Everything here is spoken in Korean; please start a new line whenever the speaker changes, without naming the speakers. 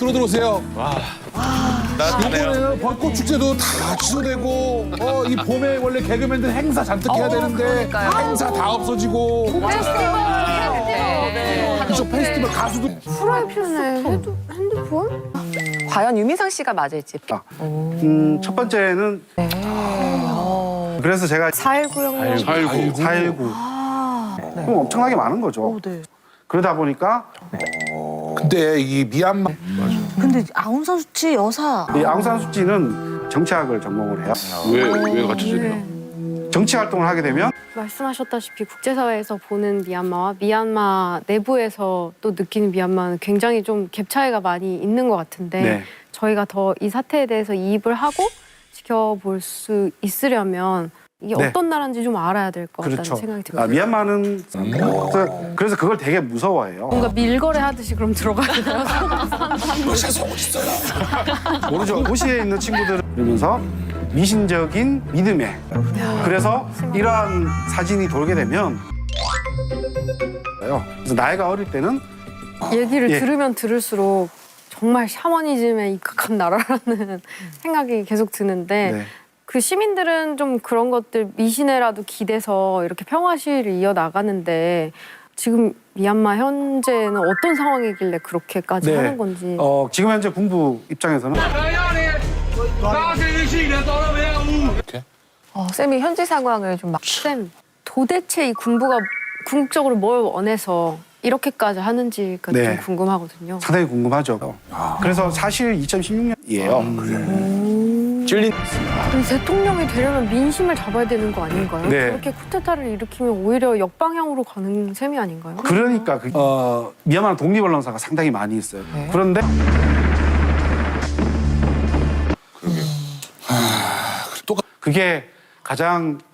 들어오세요.
따뜻하네요.
이번에는 벚꽃 축제도 다 취소되고 이 봄에 원래 개그맨들 행사 잔뜩 해야 되는데 행사 다 없어지고 그쵸 페스티벌 가수도
프라이팬에 핸드폰?
과연 유민상 씨가 맞을지.
첫 번째는 그래서 제가
419형.
419. 그럼 엄청나게 많은 거죠. 그러다 보니까
근데 이 미얀마
근데 아웅산 수치 여사.
이 아웅산 수치는 정치학을 전공을 해요.
왜 갖춰지나요?
정치 활동을 하게 되면
말씀하셨다시피 국제사회에서 보는 미얀마와 미얀마 내부에서 또 느끼는 미얀마는 굉장히 좀 갭 차이가 많이 있는 것 같은데
네.
저희가 더 이 사태에 대해서 이입을 하고 지켜볼 수 있으려면 이게
네.
어떤 나라인지 좀 알아야 될 것 같다는
그렇죠.
생각이 듭니다.
미얀마는 그래서 그걸 되게 무서워해요.
뭔가 밀거래 하듯이 그럼 들어가야 돼요.
모르죠. 도시에 있는 친구들은 그러면서 미신적인 믿음에 그래서 이러한 사진이 돌게 되면 그래서 나이가 어릴 때는
얘기를
예.
들으면 들을수록 정말 샤머니즘에 입각한 나라라는 생각이 계속 드는데
네.
그 시민들은 좀 그런 것들 미신에라도 기대서 이렇게 평화 시위를 이어나가는데 지금 미얀마 현재는 어떤 상황이길래 그렇게까지 하는 건지.
지금 현재 군부 입장에서는
쌤이 현지 상황을 좀 막.
쌤, 도대체 이 군부가 궁극적으로 뭘 원해서 이렇게까지 하는지가
네.
좀 궁금하거든요.
상당히 궁금하죠. 그래서 사실 2016년이에요.
찔린
그럼 대통령이 되려면 민심을 잡아야 되는 거 아닌가요?
네.
그렇게 쿠데타를 일으키면 오히려 역방향으로 가는 셈이 아닌가요?
그러니까 미얀마 독립 언론사가 상당히 많이 있어요. 그런데 그게 가장